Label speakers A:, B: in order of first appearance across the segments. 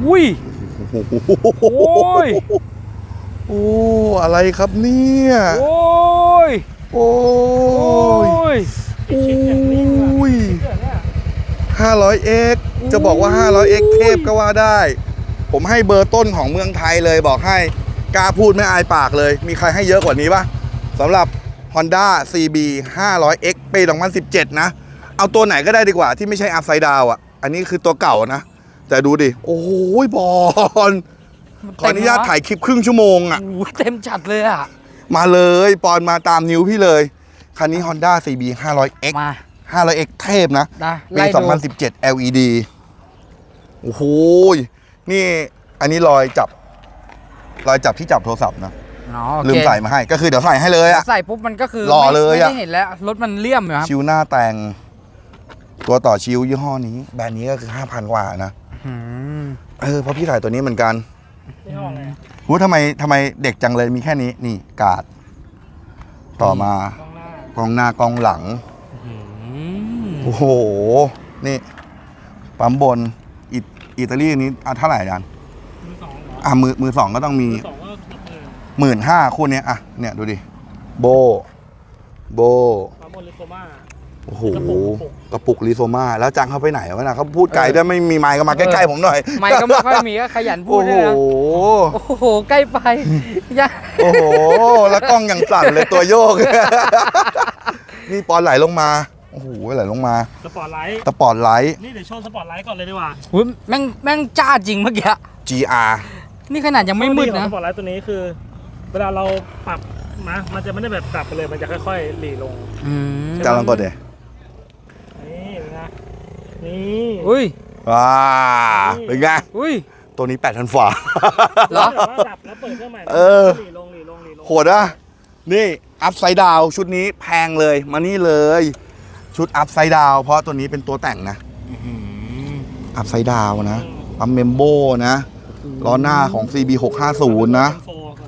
A: อุ้ยโอ้ย
B: โอ้อะไรครับเนี่ย
A: โอ้ย
B: โอ้ยโอ้ย 500x จะบอกว่า 500x เทพก็ว่าได้ผมให้เบอร์ต้นของเมืองไทยเลยบอกให้กล้าพูดไม่อายปากเลยมีใครให้เยอะกว่านี้ปะสำหรับ Honda CB 500x ปี2017นะเอาตัวไหนก็ได้ดีกว่าที่ไม่ใช่ Upside Down อ่ะอันนี้คือตัวเก่านะแต่ดูดิโอ้ยบอลขออนุญาตถ่ายคลิปครึ่งชั่วโมงอ่ะ
A: เต็มจัดเลยอ่ะ
B: มาเลยปอนมาตามนิ้วพี่เลยคันนี้ Honda CB 500x
A: มา
B: 500x เทพนะปี2017 LED โอ้โหนี่อันนี้รอยจับที่จับโทรศัพท์นะลืมใส่มาให้ก็คือเดี๋ยวใส่ให้เลยอะ
A: ใส่ปุ๊บมันก็คือ
B: หล่อเลยอะ
A: ไม่ได้เห็นแล้วรถมันเลี่ยมอยู่ครับ
B: ชิวหน้าแต่งตัวต่อชิวยี่ห้อนี้แบรนด์นี้ก็คือ 5,000 กว่านะเพราะพี่ถ่ายตัวนี้เหมือนกัน
A: ยี่ห้ออะไร
B: หูทำไมเด็กจังเลยมีแค่นี้นี่กาดต่อมากองหน้ากองหลังโอ้โหนี่ปั๊มบนอิตาลีนี้เท่าไหร่อาจารย์มือสองก็ต้องมี15,000คู่นี้เนี่ยดูดิโบ
A: ปั๊มบนลิโซมา
B: โอ้โหกระปุกลิโซมาแล้วจังเขาไปไหนวะนะเขาพูดไกลด้วยไม่มีไมค์ก็มาใกล้ๆผมหน่อย
A: ไมค์ก็ไม่ค่อยมีก็ขยันพูดด้วยนะโอ้โหใกล้ไป
B: โอ้โหแล้วกล้องยังสั่นเลยตัวโยกนี่ปอนไหลลงมาโอ้โหไหลลงมา
A: สปอร์ตไล
B: ท์
A: นี่เดี๋ยวโชว์สปอร์ตไลท์ก่อนเลยดีกว่าแม่งจ้าจริงเมื่อกี้
B: GR
A: นี่ขนาดยังไม่มืดนะ
C: สปอร์ตไลท์ตัวนี้คือเวลาเราปรับมันจะไม่ได้แบบปรับไปเลยมันจะค่อยๆหลีลง
B: จะลองกดเดี๋ยว
C: นี่เป็นไงนี่
A: อุ้ย
B: ว้าเป็นไง
A: อุ้ย
B: ตัวนี้8,000 ฝ่า
A: เหรอ
C: ดับแล้วเปิดเครื่องใหม่หลีลง
B: โหดอ่ะนี่อัพไซด์ดาวชุดนี้แพงเลยมานี่เลยชุดอัพไซด์ดาวเพราะตัวนี้เป็นตัวแต่งนะอัพไซด์ดาวนะปั๊มเมมโบนะล้อหน้าของ CB 650นะ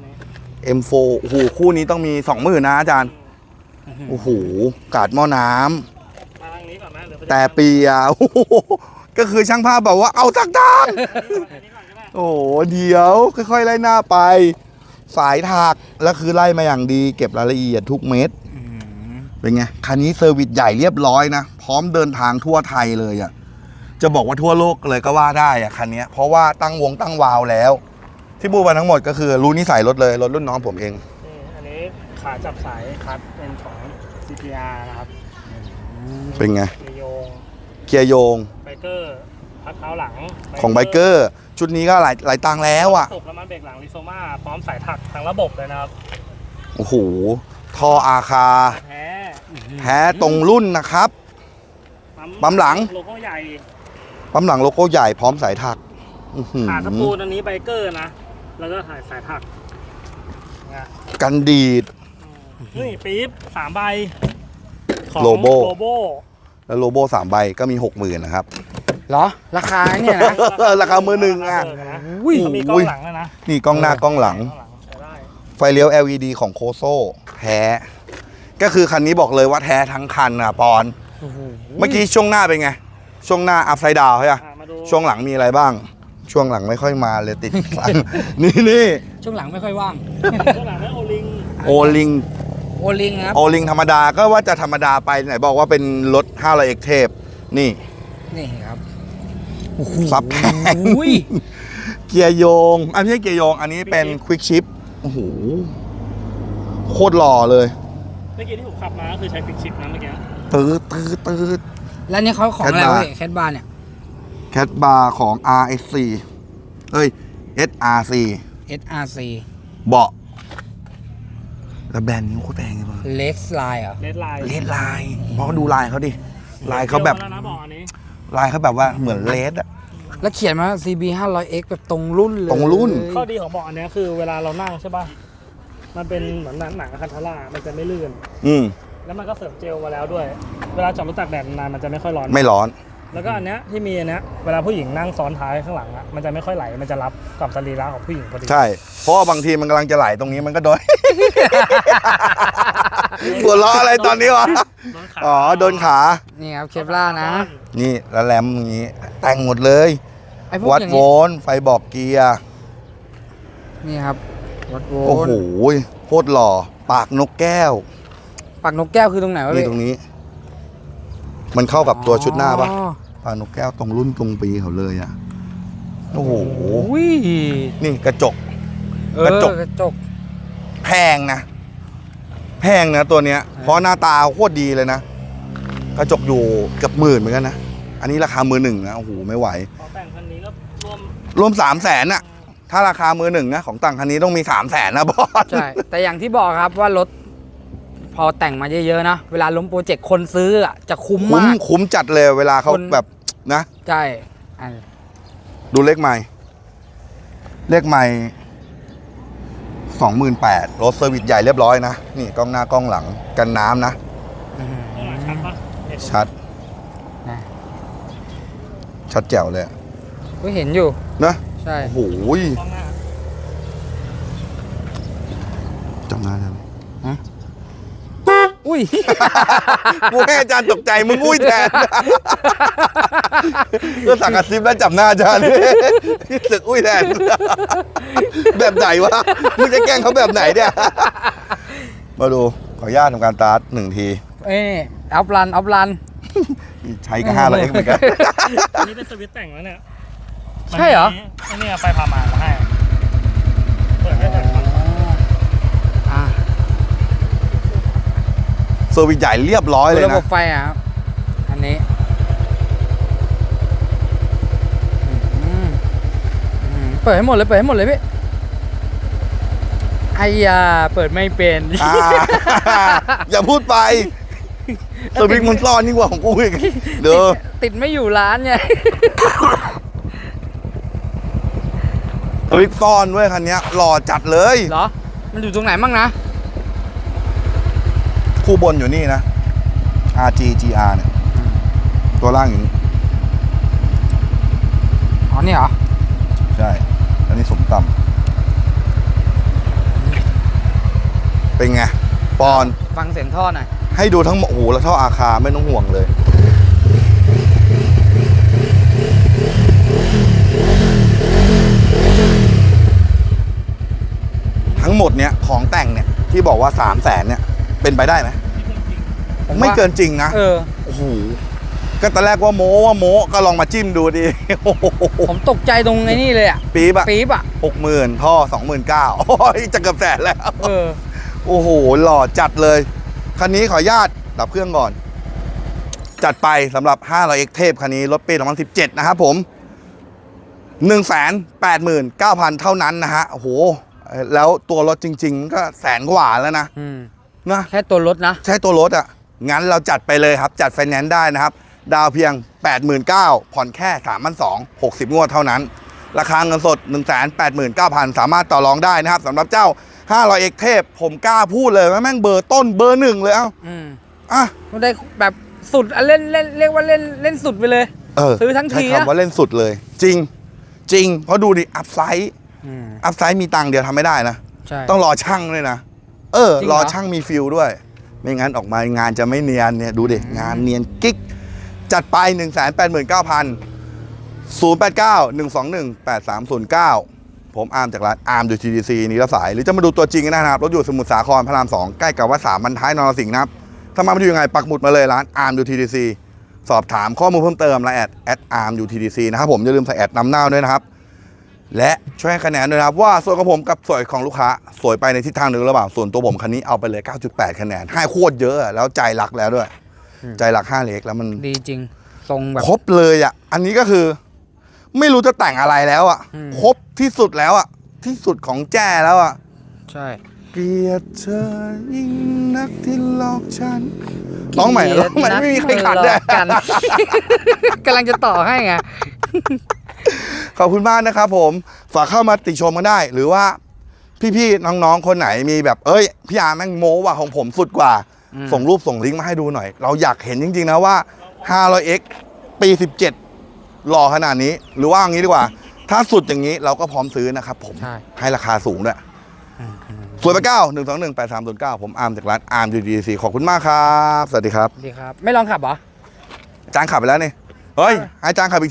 B: M4 โอ้โหคู่นี้ต้องมี 20,000นะอาจารย์โอ้โหกาดหม้อน้ำแต่ปีอ่ะก็คือช่างภาพบอกว่าเอาทักทางโอ้เดี๋ยวค่อยๆไล่หน้าไปสายถักแล้วคือไล่มาอย่างดีเก็บรายละเอียดทุกเม็ดเป็นไงคันนี้เซอร์วิสใหญ่เรียบร้อยนะพร้อมเดินทางทั่วไทยเลยอ่ะจะบอกว่าทั่วโลกเลยก็ว่าได้อ่ะคันนี้เพราะว่าตั้งวาวแล้วที่พูดมาทั้งหมดก็คือรู้นิสัยรถเลยรถรุ่นน้องผมเอง
C: อันนี้ขาจับสายคัดเป็นของ CPR นะครับ
B: เป็นไง
C: เกียร์โยงไบเกอร์พัดเท้าหลัง
B: ของไบเกอร์ชุดนี้ก็หลายตังแล้วอ่ะ
C: ตกน้ำมันเบรกหลังลิโซมาพร้อมสายถักทั้งระบบเลยนะครับ
B: โอ้โหท่ออาคาแท้ตรงรุ่นนะครับปั๊มหลัง
C: โลโก้ใหญ่
B: ปั๊มหลังโลโก้ใหญ่พร้อมสายถัก
C: ขาตะปูอันนี้ไบเกอร์นะแล้วก็สายถัก
B: กันดีด
C: นี่ปี๊บ3 ใบ
B: ของโลโบแล้วโลโบ3 ใบก็มี 60,000นะครับ
A: เหรอราคาเนี่ยนะ
B: ราคามือหนึ่งอ่ะ
C: มีกล้องหลังนะ
B: นี่กล้องหน้ากล้องหลังไฟเลี้ยว LED ของโคโซ่แท้ก็คือคันนี้บอกเลยว่าแท้ทั้งคันอ่ะปอนเมื่อกี้ช่วงหน้าเป็นไงช่วงหน้าอัพไซด์ดาวใช่ไหมช่วงหลังมีอะไรบ้างช่วงหลังไม่ค่อยมาเลยติดนี่
A: ช่วงหลังไม่ค่อยว่าง
C: ช่วงหลังโอลิง
A: ครับ
B: โอลิงธรรมดาก็ว่าจะธรรมดาไปไหนบอกว่าเป็นรถ 500x เทพนี่
A: ครับ
B: ซับแพงเกียร์โยงอันนี้เกียร์โยงอันนี้เป็นควิกชิปโอ้โหโคตรหล่อเลย
C: เมื่อกี้ที่ผมขับมาคือใช้ควิกชิปนะเมื่อกี้
B: ตืด
A: แล้วนี่เขาของอะไรวะแคทบาร์เนี่ย
B: แคทบาร์ของ RSC SRC เบาะแล้วแบรนด์นี้โคตรแพงเลยป่ะ
A: เลสไลน์เหรอ
B: เลสไลน์เพราะดูลายเขาดิลายเขาแบบลายเขาแบบว่าเหมือนเลสอะ
A: แล้วเขียนมา CB 500x แบบตรงรุ่นเลย
C: ข้อดีของเบาะอันนี้คือเวลาเรานั่งใช่ป่ะมันเป็นเหมือนหนังคันทาร่ามันจะไม่ลื่นแล้วมันก็เสริมเจลมาแล้วด้วยเวลาจอดรถตากแดดนานมันจะไม่ค่อยร้อนแล้วก็อันเนี้ยที่มีอันเนี้ยเวลาผู้หญิงนั่งซ้อนท้ายข้างหลังอ่ะมันจะไม่ค่อยไหลมันจะรับกับสรีระของผู้หญิงพอดี
B: ใช่เพราะบางทีมันกำลังจะไหลตรงนี้มันก็โดนหัวล้ออะไรตอนนี้วะโดนขา
A: นี่ครับเคปล่านะ
B: นี่แล้วแรมอย่างนี้แต่งหมดเลย
A: ไอ้พวก
B: วัด
A: อย่าง
B: โว
A: นี้
B: ลต์ไฟบอกเกียร์
A: นี่ครับวัดโว
B: โอ้
A: ล
B: โห
A: ต์
B: โคตรหล่อปากนกแก้ว
A: ปากนกแก้วคือตรงไหนวะ
B: นี่
A: พี่
B: ตรงนี้ มันเข้ากับตัวชุดหน้าปะ
A: อ๋อ
B: ปากนกแก้วตรงรุ่นตรงปีเขาเลยอะโอ้โห
A: อุ้ย
B: นี่กระจก
A: เออก
B: ระจก
A: กระจก
B: แพงนะ แพงนะตัวเนี้ย เพราะหน้าตาโคตรดีเลยนะ กระจกอยู่เกือบ10,000เหมือนกันนะ อันนี้ราคามือ 1นะ โอ้โห ไม่ไหว
C: พอแต่งคันนี้ก็รวม
B: รวม300,000อะถ้าราคามือ 1นะของต่างคันนี้ต้องมี300,000นะบอส
A: ใช่ แต่อย่างที่บอกครับว่ารถพอแต่งมาเยอะๆนะ เวลาล้มโปรเจกต์คนซื้ออะจะคุ้ม
B: คุ้ม
A: มาก
B: คุ้มจัดเลยเวลาเขา
A: คน
B: แบบนะ
A: ใช่อัน
B: ดูเลขใหม่ เลขใหม่ 28,000รถเซอร์วิสใหญ่เรียบร้อยนะ นี่กล้องหน้ากล้องหลังกันน้ำนะ
C: ข้างหลังชัดปะเห็น
B: ชัด
A: นะ
B: ชัดแจ๋วเลยอะ
A: ก็เห็นอยู่
B: นะ
A: ใช่
B: โอ้โห
C: กล้องหน้า
B: จำหน้าได้ไหม
A: อุ้ย
B: กูให้อาจารย์ตกใจมึงอุ้ยแทน ก็สั่งกระซิบแล้วจับหน้าอาจารย์สึกอุ้ยแทน แบบไหนวะมึงจะแกล้งเขาแบบไหนเนี่ย มาดูขออนุญาตทำการตาร์ท1 ที
A: เอ้ยอัพรัน
B: ใช้ก็500X เหมือนกัน
C: อันนี้เป็นสวิตช์แต่งแล้วเนี่ย
A: ใช่เหรอ
C: อันนี้ไฟพามาให้เปิดได้แต่ก่อน
A: อ่า
B: เซอร์วิสใหญ่เรียบร้อยเลย
A: ระบ
B: นะ
A: บไฟอ่ะครับอันนี้เปิดให้หมดเลยพี่ไอ้ยาเปิดไม่เป็น
B: อ่า อย่าพูดไปสวิงมันซ่อนยิ่งกว่าของกูอีกเด้อ
A: ติดไม่อยู่ร้านไง
B: สวิงซ่อนเว้ยคันเนี้ยหล่อจัดเลย
A: เหรอ มันอยู่ตรงไหนบ้างนะ
B: คู่บนอยู่นี่นะ RG GR เนี่ยตัวล่างอยู่นี่
A: อ๋อ นี่เหรอ
B: ใช่ อันนี้สมต่ำเป็นไง ปอน
A: ฟังเสียงท่อหน่อย
B: ให้ดูทั้งหมดโอ้โหแล้วเท่าอาคาไม่ต้องห่วงเลย ทั้งหมดเนี้ยของแต่งเนี่ยที่บอกว่า300,000เนี่ยเป็นไปได้ไหม
A: ผมว่า
B: ไม่เกินจริงนะ
A: เออ
B: โอ้โหก็ตอนแรกว่าโม้ก็ลองมาจิ้มดูดิ โอ้โห
A: ผมตกใจตรงไอ้นี่เลยอ่ะ
B: ปี๊บอะ
A: ปี๊บอ่ะ
B: 60,000ท่อ29,000โอ้ยจะเกือบแสนแล้ว
A: เออ
B: โอ้โหหล่อจัดเลย คันนี้ขออนุญาตดับเครื่องก่อน จัดไปสำหรับ 500X เทพคันนี้รถปี2017นะครับผม 189,000 เท่านั้นนะฮะโอ้โหแล้วตัวรถจริงๆก็แสนกว่าแล้วนะ
A: อืม
B: นะ
A: แค่ตัวรถนะ
B: ใช้ตัวรถอ่ะ งั้นเราจัดไปเลยครับ จัดไฟแนนซ์ได้นะครับ ดาวเพียง 89,000 ผ่อนแค่ 3,200 60 งวดเท่านั้น ราคาเงินสด 189,000 สามารถต่อรองได้นะครับสำหรับเจ้า 500X เทพผมกล้าพูดเลยว่าแม่งเบอร์ต้นเบอร์ 1 เลยเอ้า
A: อืม
B: อ่ะ
A: มันได้แบบสุดอ่ะเล่นเรียกว่าเล่นสุดไปเลย ซื้อทั้งที
B: ใช้
A: นะ
B: คำว่าเล่นสุดเลย จริง เพราะดูดิ อัพไซด์
A: อืม
B: อัพไซด์มีตังค์เดียวทำไม่ได้นะ
A: ใช่
B: ต้องรอช่างด้วยนะ
A: จริงเหร
B: ร
A: อ
B: อช่างมีฟิลด้วย ไม่งั้นออกมางานจะไม่เนียนเนี่ยดูดิงานเนียนกิ๊ก จัดไป 189,000 ผมอาร์มจากร้านอาร์มดู TDC นี่ละสาย หรือจะมาดูตัวจริงก็ได้นะครับรถอยู่สมุทรสาครพระราม 2 ใกล้กับวัด3บรรท้ายนรสิงห์นะครับ ถ้ามาดูยังไงปักหมุดมาเลยร้านอาร์มดู TDC สอบถามข้อมูลเพิ่มเติมและแอดอาร์มดู TDC นะครับผมอย่าลืมใส่แอดนำหน้าด้วยนะครับ และช่วยให้คะแนนด้วยนะครับว่าส่วนของผมกับส่วนของลูกค้าสวยไปในทิศทางหนึ่งหรือเปล่าส่วนตัวผมคันนี้เอาไปเลย 9.8 คะแนนให้โคตรเยอะอะแล้วใจรักแล้วด้วย ใจรัก5 เล็กแล้วมัน
A: ดีจริง ทรงแบบ
B: ครบเลยอ่ะอันนี้ก็คือไม่รู้จะแต่งอะไรแล้วอ่ะ
A: อืม
B: ครบที่สุดแล้วอ่ะที่สุดของแจ้แล้วอ่ะ
A: ใช่
B: เกลียดเธอยิ่งนักที่หลอกฉันร้องใหม่ร้องใหม่ไม่มีใครขัดเลย
A: กัน กำลังจะต่อให้ไง
B: ขอบคุณมากนะครับผมฝากเข้ามาติชมกันได้ หรือว่าพี่ๆน้องๆคนไหนมีแบบพี่อาร์แม่งโม้ว่าของผมสุดกว่า
A: อืม
B: ส่งรูปส่งลิงก์มาให้ดูหน่อย เราอยากเห็นจริงๆนะว่า 500X ปี 17 หล่อขนาดนี้ หรือว่าอย่างนี้ดีกว่า ถ้าสุดอย่างนี้เราก็พร้อมซื้อนะครับผม
A: ใช่
B: ให้ราคาสูงด้วย 089 121 8309 ผมอาร์มจากร้านอาร์ม UDC ขอบคุณมากครับ สวัสดีครับ
A: ดีครับ ไม่ลองขับเหรอ
B: อาจารย์ขับไปแล้วนี่เฮ้ยให้อาจารย์ขับอีกทีนึง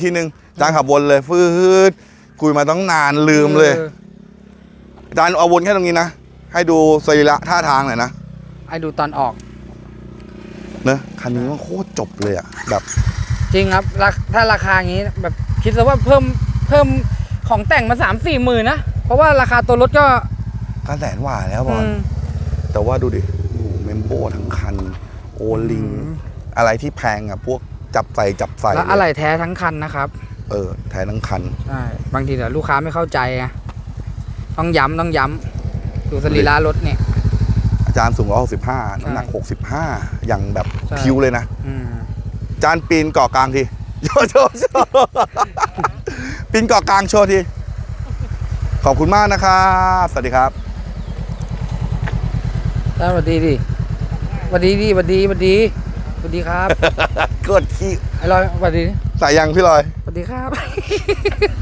B: อาจารย์ขับวนเลยฟืดคุยมาตั้งนานลืมเลยอาจารย์เอาวนแค่ตรงนี้นะให้ดูสรีระท่าทางหน่อยนะ
A: ให้ดูตอนออก
B: เนอะคันนี้มันโคตรจบเลยอะแบบ
A: จริงครับถ้าราคาอย่างนี้แบบคิดซะว่าเพิ่มของแต่งมา 3-4 หมื่นนะ เพราะว่าราคาตัวรถก็
B: 900,000 กว่าแล้วบอลแต่ว่าดูดิโอ้โหเมมโบทั้งคันโอลิงอะไรที่แพงอะพวกจับใส่
A: แล้วอะไรแท้ทั้งคันนะครับ
B: แทนทั้งคัน
A: ใช่บางทีเดี๋ยวลูกค้าไม่เข้าใจไงต้องย้ำดูสรีระรถเนี่ย
B: อาจารย์สูง165น้ำหนัก65อย่างแบบ
A: ใช่
B: พิวเลยนะอาจารย์ปีนเกาะกลางทีโชว์ปีนเกาะกลางโชว์ทีขอบคุณมากนะครับสวัสดีครับ
A: สวัสดีดิสวัสดีครับ
B: กดขี้
A: ไอ้ลอยสวัสดี
B: สายยังพี่ลอย
A: สวัสดีครับ